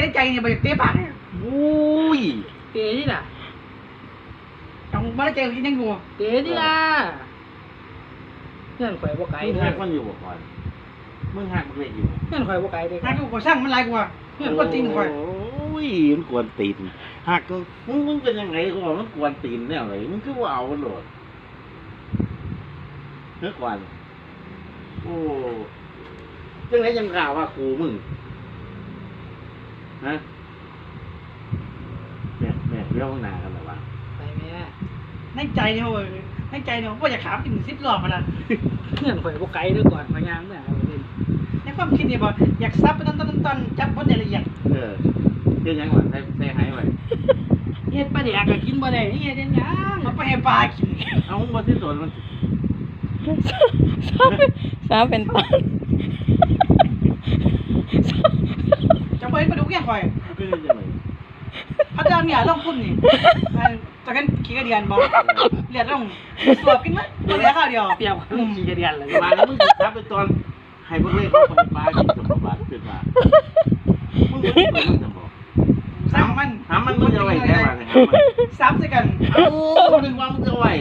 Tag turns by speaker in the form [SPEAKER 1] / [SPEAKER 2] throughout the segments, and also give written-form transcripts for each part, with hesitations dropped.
[SPEAKER 1] ใจเนี่ยไปเตะปากเนี่ย
[SPEAKER 2] อุ้ย
[SPEAKER 3] เตะนี่ล่ะ
[SPEAKER 1] ต้องไม่ได้ใจกินยังอยู่
[SPEAKER 3] เตะนี่ล่ะเงื่อนข่อยบ่ไกล
[SPEAKER 2] มึง
[SPEAKER 3] เด้
[SPEAKER 2] หั
[SPEAKER 3] อก
[SPEAKER 2] มันอยู่บ่ก่อนมึงหักมันเล็กอยู่
[SPEAKER 3] เงื่อนข่อยบ่ไกลเด้อ
[SPEAKER 1] ถ้ากูสร้างมันไรกว่าเพื่อนคนตีนคอย
[SPEAKER 2] โอ้ยมันกวนตีนหักมึงเป็นยังไงกูบอกมันกวนตีนแน่เลยมึงคือว่าเอามันโหลดเมื่อก่อนโอ้จังไรยังกล่าวว่าครูมึงฮะแม่เรื่องหนากันหรอวะ
[SPEAKER 3] ไปแม่
[SPEAKER 1] ในใจเนี่ยเว้ยในใจเนี่ยว่าอยากขามถึง10 รอบมาละ
[SPEAKER 3] เงื่อนข่อยบ่ไกลเด้อก่อนพยายามเนี่ยเอาเล่น
[SPEAKER 1] ในความคิดเนี่ยบอกอยากซับไปต้นจับบทในละเอียด
[SPEAKER 2] เรื่องยังหวานใส่หายไว้
[SPEAKER 3] เฮ็ดปลาแดกก็กินบ่ได้นี่เฮ็ดหยัง
[SPEAKER 1] เอาไปให้ปลากิน
[SPEAKER 2] เอามึงมาที่สวนมัน
[SPEAKER 4] สาวเป็นต้น
[SPEAKER 1] จะไปมาดูแก่คอย
[SPEAKER 2] คือยังไง
[SPEAKER 1] พัฒนาเนี่ยลงพุ่นนี่จากกันขี้กระเดียนบอกเลียดลงสวบกินมั้ยตัวเดียวข้าวเดียว
[SPEAKER 3] เปรียบกับลุงขี่กระเดียนเลย
[SPEAKER 2] มาแล้วมึงทับไปตอนให้พวกเล่เขาไปปลากินสมบัติขึ้นมามึงไม่ได้มึงจะบอก
[SPEAKER 1] สร้างมัน
[SPEAKER 2] ถามมันมึงจะไว้แค่ไหนครับ
[SPEAKER 1] ซับใส่กัน
[SPEAKER 2] เอาดึงว่ามึงจะไว้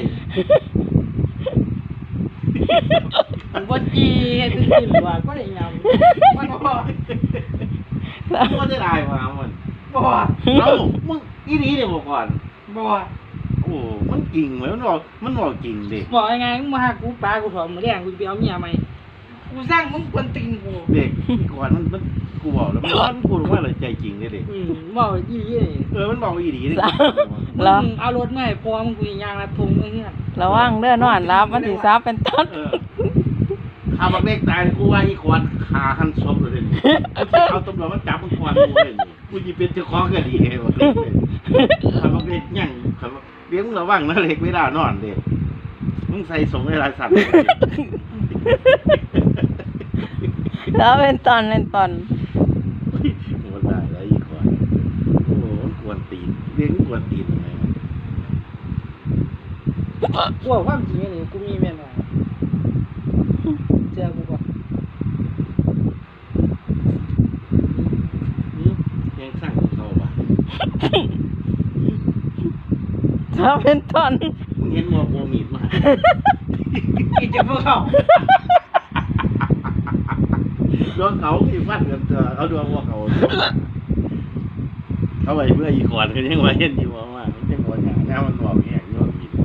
[SPEAKER 3] มันบ่จีเฮ็ดซื่อๆว่าบ่ได้ยำ
[SPEAKER 1] มันบอก
[SPEAKER 2] มึงก็ได้ลายมามัน
[SPEAKER 1] บอก
[SPEAKER 2] เอ้ามึงอีนี้เดี๋ยวบอกก่อน
[SPEAKER 1] บอก
[SPEAKER 2] โอ้มันจริงไหมมันบอกจริงดิ
[SPEAKER 3] บอกยังไงมึงมาหากูปลากูถอดมื้อแรงกูไปเอาเมียใหม่
[SPEAKER 1] กูสร้างมึงกวนตีนกู
[SPEAKER 2] เด็กก่อนมันกูบอกแล้วมันพูดว่าอะไรใจจริงเลยเด็ก
[SPEAKER 3] บอกอีหลีนี่
[SPEAKER 2] มันบอกอีดีดิ
[SPEAKER 4] แล้ว
[SPEAKER 3] มึงเอารถมาให้พอมึงกูสิย่างลัดทุ่งเฮือน
[SPEAKER 4] ระวังเด้อนอนรับมันสิสาวเป็นต้น
[SPEAKER 2] ข้าบักเล็กตายกูว่าอีควานขาหันศพเลยเอาตำรวจมาจับมึงควานกูเลยกูจะเป็นเจ้าของก็ดีเฮ้ยข้าบักเล็กยังข้าบักเลี้ยงระวังนะเล็กไม่ได้นอนเด็กมึงใส่สงในลายสัตว์
[SPEAKER 4] สาวเป็นต้นเป็นต้น
[SPEAKER 2] มันได้แล้วอีควานโอ้โหกวนตีนเลี้ยงกวนตีนยังไง
[SPEAKER 3] กูว่าความจริงนี่กูมีแม่นว่าเชื่อกูก่อน
[SPEAKER 2] ยังสร้างเขาบ้า
[SPEAKER 4] สาวเป็นต้น
[SPEAKER 2] มึงเห็นว่าโบมีดมา
[SPEAKER 1] กินจะพวกเขา
[SPEAKER 2] ดวงเขาที่ฟัดกันเถอะเอาดวงว่าเขาเขาไปเพื่ออีกคนก็ยังว่าเห็นอยู่ว่ามันจะบ่อย่างแล้วมันบอกอย่างนี้ว่ามีด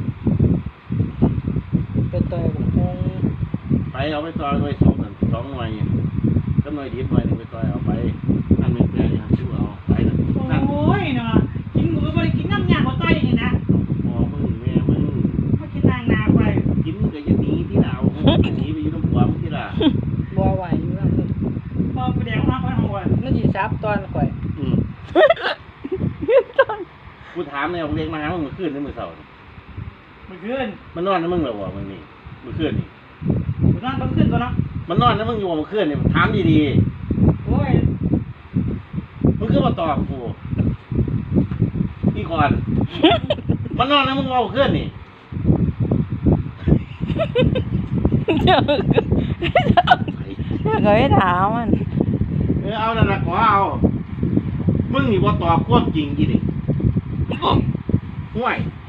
[SPEAKER 3] เป็นตัวผมคง
[SPEAKER 2] ไปเอาไปซอยไป2 หน่วยก็หน่วยดีหน่วยนึงไปซอยเอาไปนั่นเป็นแปลงอย่างที่เอาไปนั่น
[SPEAKER 1] โอ้ยเนาะกินหมูก็ไม่ได้กินน้ำยาหัวต้อยอย่างนี้นะ
[SPEAKER 2] พอมึงแม่มึง
[SPEAKER 1] มากินนางนาไป
[SPEAKER 2] กินก็ยังหนีที่หนาวหนีไปอยู่น้ำหัวมึงที่ละ
[SPEAKER 3] บ่ไหวอยู่แล้ว
[SPEAKER 1] พอไปแดงมาไปหัว
[SPEAKER 3] มันสิซับตอนข่อย
[SPEAKER 2] กูถามเนี่ยเรียกมาหามึงขึ้นในมือเสาร์
[SPEAKER 1] มันขึ้น
[SPEAKER 2] มันนอนนะมึงเหรอวะมึงนี่มึงขึ้นนี่
[SPEAKER 1] มันนั่นต้องขึ้นตัวเนาะ
[SPEAKER 2] มันนอนนะมึงอยู่มึงขึ้นนี่ถามดี
[SPEAKER 1] โอ้ย
[SPEAKER 2] ๆมึงคือมาตอบกูพี่ก่อนมันนอนนะมึงเอาขึ้นนี่
[SPEAKER 4] เจ้าก็ไม่ถามมัน
[SPEAKER 2] เอานั่นละขอเอามึงนี่ว่าตอบความจริงกี่ดิห่วย